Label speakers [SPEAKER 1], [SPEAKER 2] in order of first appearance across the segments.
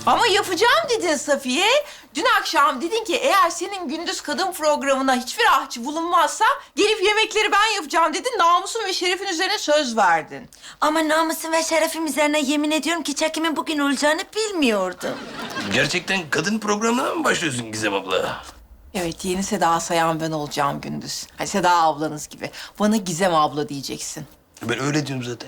[SPEAKER 1] Ama yapacağım dedin Safiye. Dün akşam dedin ki eğer senin gündüz kadın programına hiçbir ahçı bulunmazsa gelip yemekleri ben yapacağım dedin. Namusun ve şerefin üzerine söz verdin.
[SPEAKER 2] Ama namusum ve şerefim üzerine yemin ediyorum ki çekimin bugün olacağını bilmiyordum.
[SPEAKER 3] Gerçekten kadın programına mı başlıyorsun Gizem abla?
[SPEAKER 1] Evet, yeni Seda Sayan ben olacağım gündüz. Hani Seda ablanız gibi. Bana Gizem abla diyeceksin.
[SPEAKER 3] Ben öyle diyorum zaten.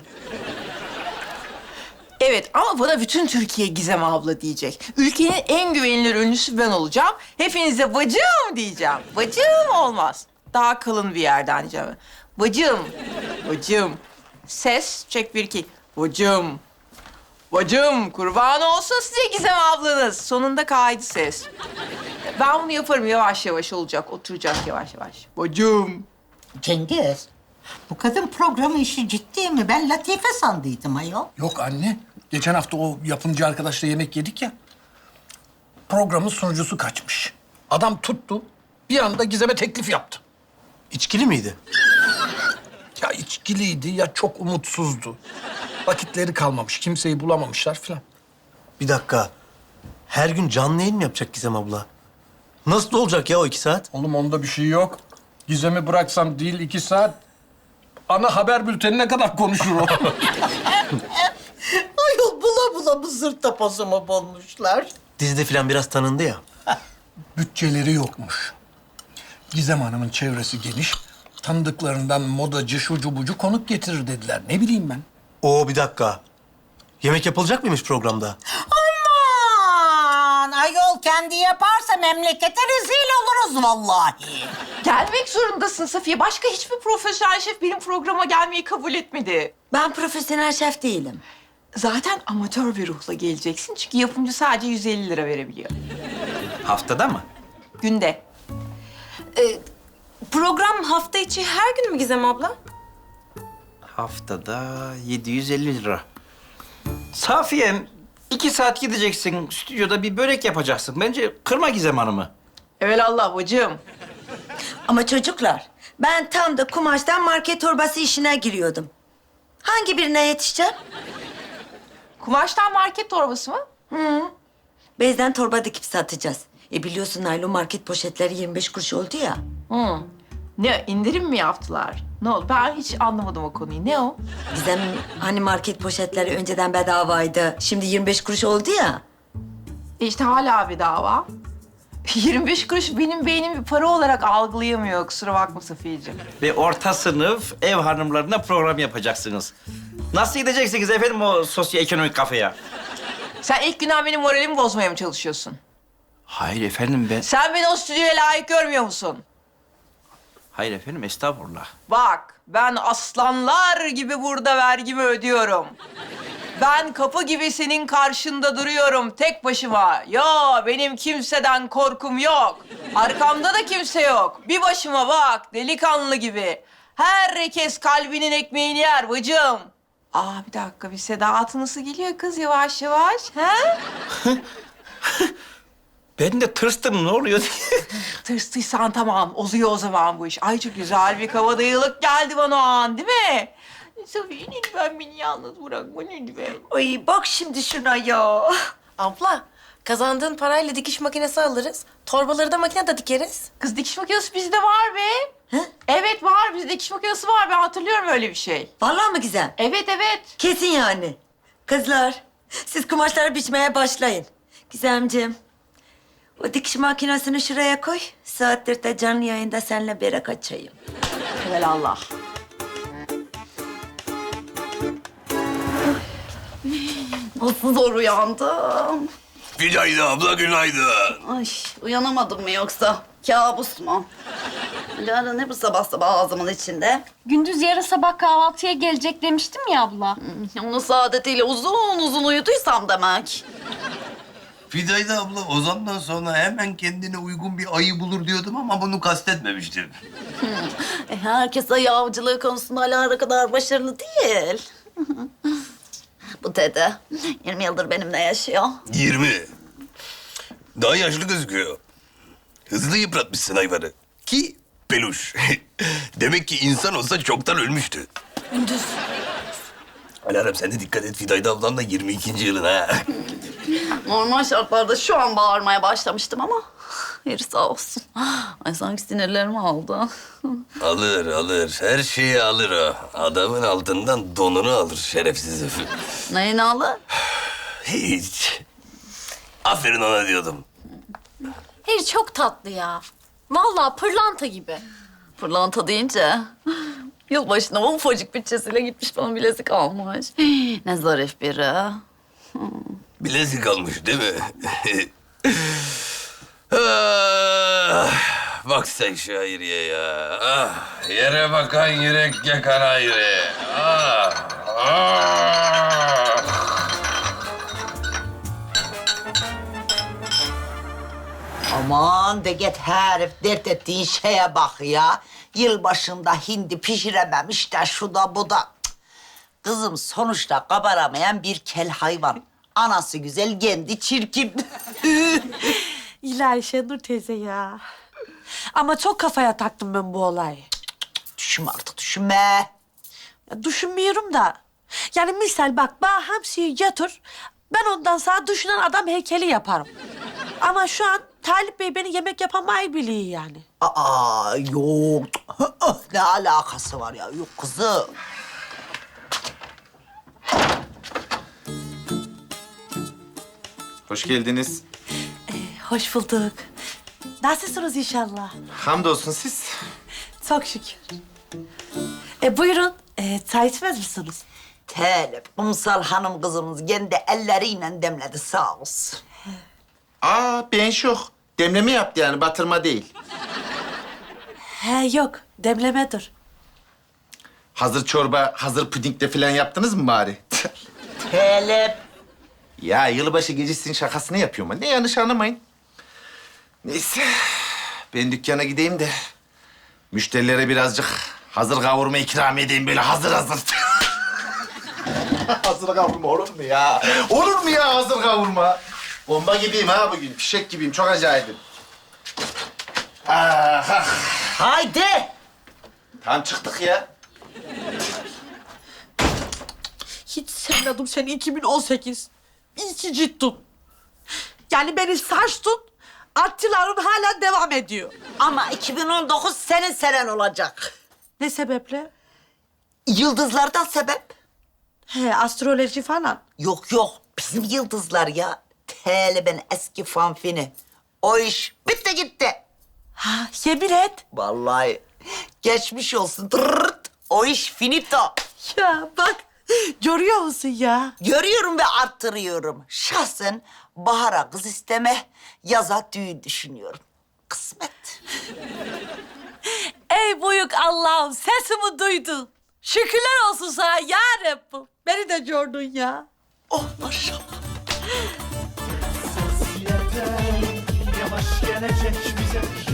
[SPEAKER 1] Evet ama bana bütün Türkiye Gizem abla diyecek. Ülkenin en güvenilir ünlüsü ben olacağım. Hepinize bacım diyeceğim. Bacım olmaz. Daha kalın bir yerden diyeceğim. Bacım, bacım. Ses, çek bir iki. Bacım, bacım. Kurban olsun size Gizem ablanız. Sonunda kaydı ses. Ben bunu yaparım, yavaş yavaş olacak. Oturacak yavaş yavaş. Bacım.
[SPEAKER 4] Cengiz, bu kadın programı işi ciddi mi? Ben Latife sandıydım ayol.
[SPEAKER 5] Yok anne. Geçen hafta o yapımcı arkadaşla yemek yedik ya. Programın sunucusu kaçmış. Adam tuttu. Bir anda Gizem'e teklif yaptı.
[SPEAKER 3] İçkili miydi?
[SPEAKER 5] Ya içkiliydi ya çok umutsuzdu. Vakitleri kalmamış. Kimseyi bulamamışlar filan.
[SPEAKER 3] Bir dakika. Her gün canlı yayın mı yapacak Gizem abla? Nasıl olacak ya o 2 saat?
[SPEAKER 5] Oğlum onda bir şey yok. Gizem'i bıraksam değil 2 saat. Ana haber bültenine kadar konuşur o.
[SPEAKER 4] Ayol bula bula bu zırt tapazımı bulmuşlar.
[SPEAKER 3] Dizide falan biraz tanındı ya.
[SPEAKER 5] Bütçeleri yokmuş. Gizem Hanım'ın çevresi geniş. Tanıdıklarından modacı, şucu bucu konuk getirir dediler. Ne bileyim ben.
[SPEAKER 3] Oo bir dakika. Yemek yapılacak mıymış programda?
[SPEAKER 4] Aman ayol kendi yaparsa memlekete rezil oluruz vallahi.
[SPEAKER 1] Gelmek zorundasın Safiye. Başka hiçbir profesyonel şef benim programa gelmeyi kabul etmedi.
[SPEAKER 2] Ben profesyonel şef değilim.
[SPEAKER 1] Zaten amatör bir ruhla geleceksin. Çünkü yapımcı sadece 150 lira verebiliyor.
[SPEAKER 6] Haftada mı?
[SPEAKER 1] Günde.
[SPEAKER 7] Program hafta içi her gün mü Gizem abla?
[SPEAKER 6] Haftada 750 lira. Safiye'm 2 saat gideceksin stüdyoda bir börek yapacaksın. Bence kırma Gizem Hanım'ı.
[SPEAKER 1] Evelallah bacım.
[SPEAKER 2] Ama çocuklar, ben tam da kumaştan market torbası işine giriyordum. Hangi birine yetişeceğim?
[SPEAKER 1] Kumaştan market torbası mı?
[SPEAKER 2] Bezden torba dikip satacağız. Biliyorsun naylon market poşetleri 25 kuruş oldu ya.
[SPEAKER 1] Hı. Ne, indirim mi yaptılar? Ne oldu? Ben hiç anlamadım o konuyu. Ne o?
[SPEAKER 2] Bizim hani market poşetleri önceden bedavaydı. Şimdi 25 kuruş oldu ya.
[SPEAKER 1] İşte hala bir dava. 25 kuruş benim beynim bir para olarak algılayamıyor. Kusura bakma Safiyeciğim.
[SPEAKER 6] Ve orta sınıf ev hanımlarına program yapacaksınız. Nasıl gideceksiniz efendim o sosyoekonomik kafeye?
[SPEAKER 1] Sen ilk günden benim moralimi bozmaya mı çalışıyorsun?
[SPEAKER 6] Hayır efendim ben...
[SPEAKER 1] Sen beni o stüdyoya layık görmüyor musun?
[SPEAKER 6] Hayır efendim estağfurullah.
[SPEAKER 1] Bak, ben aslanlar gibi burada vergimi ödüyorum. Ben kapı gibi senin karşında duruyorum tek başıma. Ya benim kimseden korkum yok. Arkamda da kimse yok. Bir başıma bak, delikanlı gibi. Herkes kalbinin ekmeğini yer bacım. Bir dakika, bir Seda atı nasıl geliyor kız yavaş yavaş, ha?
[SPEAKER 6] Ben de tırstım ne oluyor diye.
[SPEAKER 1] Tırstıysan tamam, oluyor o zaman bu iş. Ay çok güzel bir kabadayılık geldi bana o an, değil mi? Safiye lütfen beni yalnız bırakma lütfen.
[SPEAKER 2] Ay bak şimdi şuna ya.
[SPEAKER 7] Abla, kazandığın parayla dikiş makinesi alırız. Torbaları da makinede dikeriz.
[SPEAKER 1] Kız dikiş makinesi bizde var be. Evet var, bizde dikiş makinesi var. Ben hatırlıyorum öyle bir şey.
[SPEAKER 2] Vallahi mı güzel?
[SPEAKER 1] Evet, evet.
[SPEAKER 2] Kesin yani. Kızlar, siz kumaşları biçmeye başlayın. Gizemciğim, o dikiş makinesini şuraya koy. Saattir de canlı yayında seninle börek açayım.
[SPEAKER 1] Evelallah.
[SPEAKER 7] Nasıl zor uyandım.
[SPEAKER 3] Günaydın abla, günaydın.
[SPEAKER 7] Ay, uyanamadım mı yoksa? Kabus mu? Lara ne bu sabah sabah ağzımın içinde?
[SPEAKER 8] Gündüz yarın sabah kahvaltıya gelecek demiştim ya abla.
[SPEAKER 7] Onun saadetiyle uzun uzun uyuduysam demek.
[SPEAKER 3] Fidayda abla o zamandan sonra hemen kendine uygun bir ayı bulur diyordum ama bunu kastetmemiştim.
[SPEAKER 7] Herkes ayı avcılığı konusunda Lara kadar başarılı değil. Bu dede 20 yıldır benimle yaşıyor.
[SPEAKER 3] 20. Daha yaşlı gözüküyor. Hızlı yıpratmışsın hayvanı. Ki peluş. Demek ki insan olsa çoktan ölmüştü.
[SPEAKER 7] Gündüz.
[SPEAKER 3] Alarm sen de dikkat et Fidayda ablan da 22. yılın ha.
[SPEAKER 7] Normal şartlarda şu an bağırmaya başlamıştım ama yeri sağ olsun. Ay sanki sinirlerimi aldı.
[SPEAKER 3] Alır. Her şeyi alır o. Adamın altından donunu alır şerefsiz herif.
[SPEAKER 7] Neyini alır?
[SPEAKER 3] Hiç. Aferin ona diyordum.
[SPEAKER 8] Hayır çok tatlı ya. Vallahi pırlanta gibi.
[SPEAKER 7] Pırlanta deyince yılbaşına o ufacık bütçesiyle gitmiş bana bilezik almış. Ne zarif biri.
[SPEAKER 3] Bilezik almış değil mi? Ah, bak sen şu Hayriye ya. Ah, yere bakan yürek yakan Hayriye. Ah.
[SPEAKER 4] Aman de git herif, dert ettiğin şeye bak ya. Yılbaşında hindi pişirememiş de şu da bu da. Cık. Kızım sonuçta kabaramayan bir kel hayvan. Anası güzel, kendi çirkin.
[SPEAKER 9] İlahi Şenur teyze ya. Ama çok kafaya taktım ben bu olayı.
[SPEAKER 4] Düşünme artık, düşünme.
[SPEAKER 9] Ya düşünmüyorum da. Yani misal bak bana hamsiyi yatır. Ben ondan sonra düşünen adam heykeli yaparım. Ama şu an Talip Bey beni yemek yapamayı biliyor yani.
[SPEAKER 4] Aa yok. Ne alakası var ya? Yok kızım.
[SPEAKER 10] Hoş geldiniz.
[SPEAKER 9] Hoş bulduk. Nasılsınız inşallah?
[SPEAKER 10] Hamdolsun siz.
[SPEAKER 9] Çok şükür. Buyurun. Çay içmez misiniz?
[SPEAKER 4] Talip, kumsal hanım kızımız kendi elleriyle demledi sağ olsun.
[SPEAKER 10] Aa ben şok. Demleme yaptı yani batırma değil.
[SPEAKER 9] He yok. Demlemedir.
[SPEAKER 10] Hazır çorba, hazır pudingle falan yaptınız mı bari?
[SPEAKER 4] Talip.
[SPEAKER 10] Ya yılbaşı gecesinin şakasını yapıyorum ben. Ne yanlış anlamayın. Neyse. Ben dükkana gideyim de müşterilere birazcık hazır kavurma ikram edeyim böyle hazır. Hazır kavurma olur mu ya? Olur mu ya hazır kavurma? Bomba gibiyim ha bugün. Fişek gibiyim. Çok acayipim. Ah.
[SPEAKER 4] Haydi.
[SPEAKER 10] Tam çıktık ya.
[SPEAKER 9] Hiç sevmedim seni 2018. İyi ki ciddim. Yani beni saçtın, artçıların hala devam ediyor.
[SPEAKER 4] Ama 2019 senin senen olacak.
[SPEAKER 9] Ne sebeple?
[SPEAKER 4] Yıldızlardan sebep?
[SPEAKER 9] He, astroloji falan.
[SPEAKER 4] Yok yok, bizim yıldızlar ya. Talib'in eski fanfini. O iş bitti gitti.
[SPEAKER 9] Ha, yemin et.
[SPEAKER 4] Vallahi geçmiş olsun. Tırırt. O iş finito.
[SPEAKER 9] Ya bak, görüyor musun ya?
[SPEAKER 4] Görüyorum ve arttırıyorum. Şahsen bahara kız isteme, yaza düğün düşünüyorum. Kısmet.
[SPEAKER 9] Ey büyük Allah'ım, sesimi duydun. Şükürler olsun sana ya Rabbim. Beni de gördün ya.
[SPEAKER 4] Oh maşallah.
[SPEAKER 11] Yavaş gelecek bize